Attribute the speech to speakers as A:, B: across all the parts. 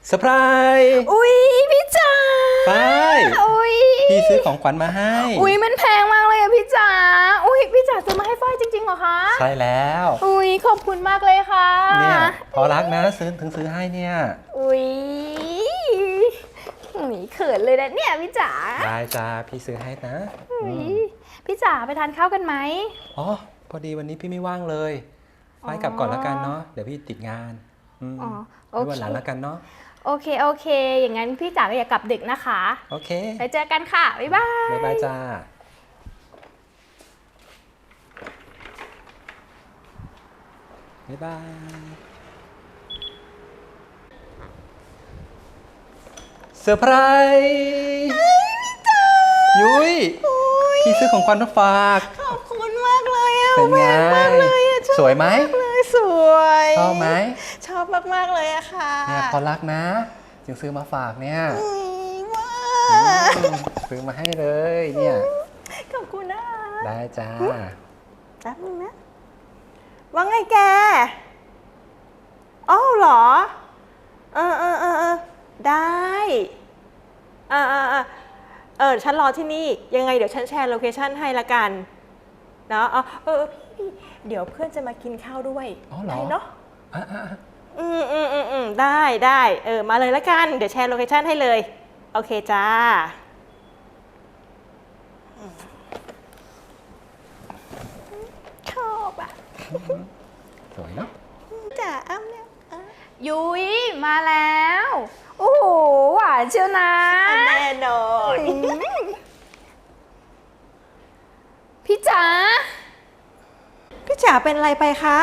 A: เซอร์ไพรส์
B: อุ๊ยพี่จ๋า
A: ฝ้าย
B: อุ๊ย
A: พี่ซื้อของขวัญมาให้
B: อุ๊ยมันแพงมากเลยอะพี่จ๋าอุ๊ยพี่จ๋าซื้อมาให้ฝ้ายจริงๆเหรอคะ
A: ใช่แล้ว
B: อุ๊ยขอบคุณมากเลยค่ะ
A: เนี่ยพอรักนะซื้อให้เนี่ย
B: อุ๊ยเขินเลยนะเนี่ยพี่จ๋า
A: ได้จ้าพี่ซื้อให้นะ
B: พี่จ๋าไปทานข้าวกันไหม
A: อ๋อพอดีวันนี้พี่ไม่ว่างเลยฝ้ายกลับก่อนแล้วกันเนาะเดี๋ยวพี่ติดงาน
B: อ๋อโอเค
A: ไว้วันหลังแล้วกันเนาะ
B: โอเคอย่างนั้นพี่จ๋าก็อย่ากลับดึกนะคะ
A: โอเค
B: ไปเจอกันค่ะบ๊ายบาย
A: บ๊ายบายจ้าบ๊ายบายเซอร์ไพรส์ยุ้ยพี่ซื้อของขวัญมาฝาก
B: ขอบคุณมากเลยอะ
A: เป็นไง
B: มากเลยอะ
A: สวยไหม
B: สวย
A: ชอบไหม
B: ชอบมากๆเลยอะค่ะ
A: เนี่ยพอรักนะจึงซื้อมาฝากเนี่ย
B: ว้า
A: ซื้อมาให้เลยเนี่ย
B: ขอบคุณนะ
A: ได้จ้า
B: แป๊บนึงนะว่าไงแกอ้าวเหรอได้ฉันรอที่นี่ยังไงเดี๋ยวฉันแชร์โลเคชั่นให้ละกันเนาะพี่เดี๋ยวเพื่อนจะมากินข้าวด้วย
A: อ๋อเหรอ
B: เนาะ
A: อ่ะ
B: ได้มาเลยละกันเดี๋ยวแชร์โลเคชั่นให้เลยโอเคจ้าชอบอ่ะ
A: สวยเนาะ
B: จ๋าอ้ำเนี่ยยุ้ยมาแล้วโอ้โหหวานเชียวนะแน่นอนพี่จ๋าเป็นอะไรไปคะ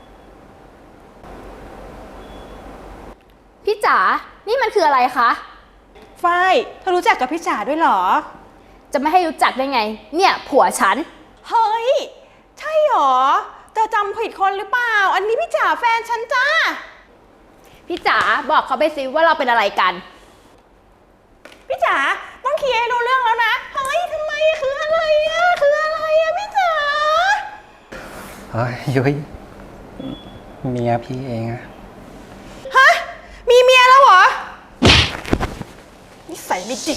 B: พี่จ๋านี่มันคืออะไรคะฝ้ายเธอรู้จักกับพี่จ๋าด้วยเหรอจะไม่ให้รู้จักได้ไงเนี่ยผัวฉันเฮ้ยใช่หรอเธอจำผิดคนหรือเปล่าอันนี้พี่จ๋าแฟนฉันจ้าพี่จ๋าบอกเขาไปสิว่าเราเป็นอะไรกันพี่จ๋าต้องเคลียร์ให้รู้เรื่องแล้วนะเฮ้ยทำไมคืออะไรอะพี่จ๋า
A: เฮ้ยยุ้ยเมียพี่เองอะ
B: ฮะมีเมียแล้วเหรอนิสัยไม่ดี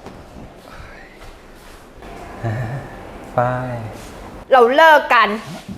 A: ฝ้าย
B: เราเลิกกัน